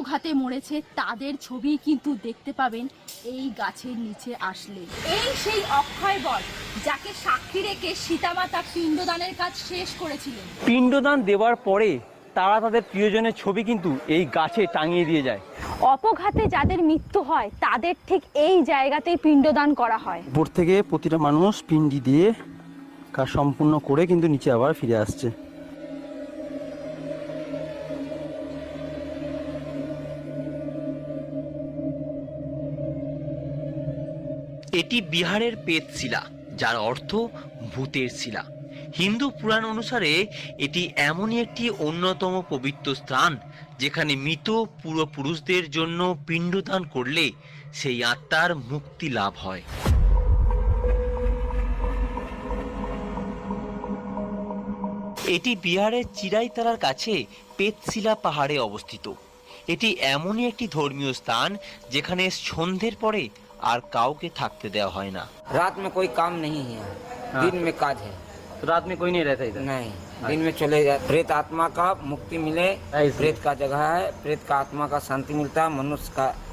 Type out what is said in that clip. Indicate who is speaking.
Speaker 1: অপঘাতে মরেছে তাদের ছবি কিন্তু দেখতে পাবেন এই গাছের নিচে আসলে। এই সেই অক্ষয় বট যাকে সাক্ষী রেখে সীতামাতা পিণ্ডদানের কাজ শেষ করেছিলেন।
Speaker 2: পিণ্ডদান দেওয়ার পরে তারা তাদের প্রিয়জনের ছবি কিন্তু এই গাছে টাঙিয়ে দিয়ে যায়।
Speaker 1: অপঘাতে যাদের মৃত্যু হয় তাদের ঠিক এই জায়গাতেই পিণ্ডদান করা হয়।
Speaker 2: উপর থেকে প্রতিটা মানুষ পিণ্ডি দিয়ে কাজ সম্পূর্ণ করে কিন্তু নিচে আবার ফিরে আসছে।
Speaker 3: এটি বিহারের পেতশিলা, যার অর্থ ভূতের শিলা। হিন্দু পুরাণ অনুসারে এটি এমনই একটি অন্যতম পবিত্র স্থান যেখানে মৃত পূর্বপুরুষদের জন্য পিণ্ডদান করলে সেই আত্মার মুক্তি লাভ হয়। এটি বিহারের চিরাইতলার কাছে পেতশিলা পাহাড়ে অবস্থিত। এটি এমনই একটি ধর্মীয় স্থান যেখানে সন্ধ্যের পরে আর কাউকে থাকতে দেওয়া হয় না।
Speaker 4: रात में कोई काम नहीं है, दिन में काज है।
Speaker 2: रात में कोई नहीं रहता इधर?
Speaker 4: नहीं, दिन में चले जाए। प्रेत आत्मा का मुक्ति मिले, प्रेत का जगह है, प्रेत का आत्मा का शांति मिलता है, मनुष्य का